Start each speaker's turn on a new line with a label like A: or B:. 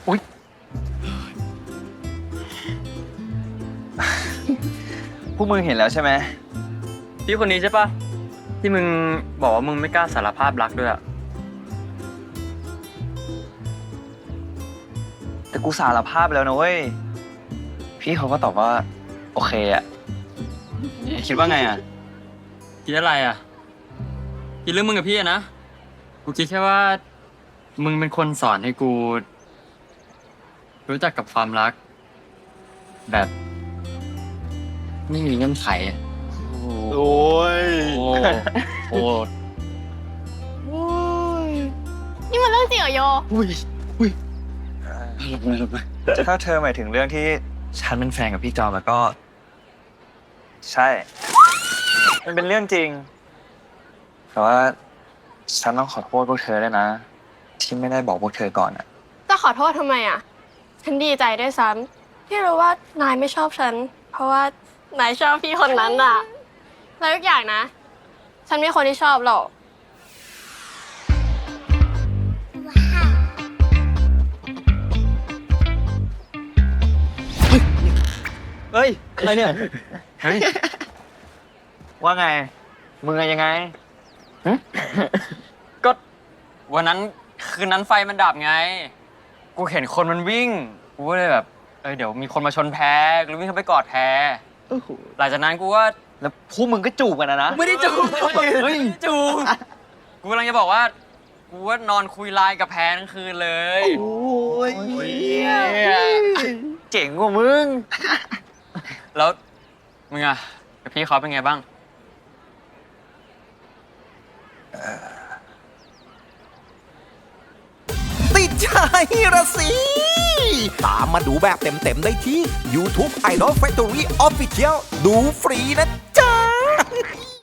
A: อุ๊ยพวกมึงเห็นแล้วใช่ไหมพี่คนนี้ใช่ปะที่มึงบอกว่ามึงไม่กล้าสารภาพรักด้วยอะแต่กูสารภาพแล้วนะเว้ยพี่เขาก็ตอบว่าโอเคอะคิดว่าไงอะคิดอะไรอะคิดเรื่องมึงกับพี่อะนะกูคิดแค่ว่ามึงเป็นคนสอนให้กูรู้จักกับความรักแบบไม่มีเงื่อนไขอะ
B: โอ้ย
A: โอ้
C: นี่มันเรื่องจริงเหรอโย
A: ถ้าเธอหมายถึงเรื่องที่ฉันเป็นแฟนกับพี่จอมแล้วก็ ใช่ มันเป็นเรื่องจริง แต่ว่าฉันต้องขอโทษพวกเธอด้วยนะ ที่ไม่ได้บอกพวกเธอก่อนอะ
C: จะขอโทษทำไมอ่ะ ฉันดีใจด้วยซ้ำที่รู้ว่านายไม่ชอบฉัน เพราะว่านายชอบพี่คนนั้นอ่ะ แล้วอีกอย่างนะ ฉันมีคนที่ชอบหรอก
A: เฮ้ยอะไรเนี่ยเฮ้ยว่าไงมึงยังไงก็วันนั้นคืนนั้นไฟมันดับไง กูเห็นคนมันวิ่งกูก็เลยแบบเดี๋ยวมีคนมาชนแพหรือวิ่งเข้าไปกอดแพหลังจากนั้นกูก็แล้วพวกมึงก็จูบกันนะไม่ได้จูบเฮ้ยจูบกูกำลังจะบอกว่ากูว่านอนคุยไลน์กับแพทั้งคืนเลยโอ้ยเจ๋งกว่ามึงแล้วมึงอะกับพี่เขาเป็นไงบ้าง
D: ติดใจระสิ ตามมาดูแบบเต็มๆได้ที่ YouTube Idol Factory Official ดูฟรีนะจ๊ะ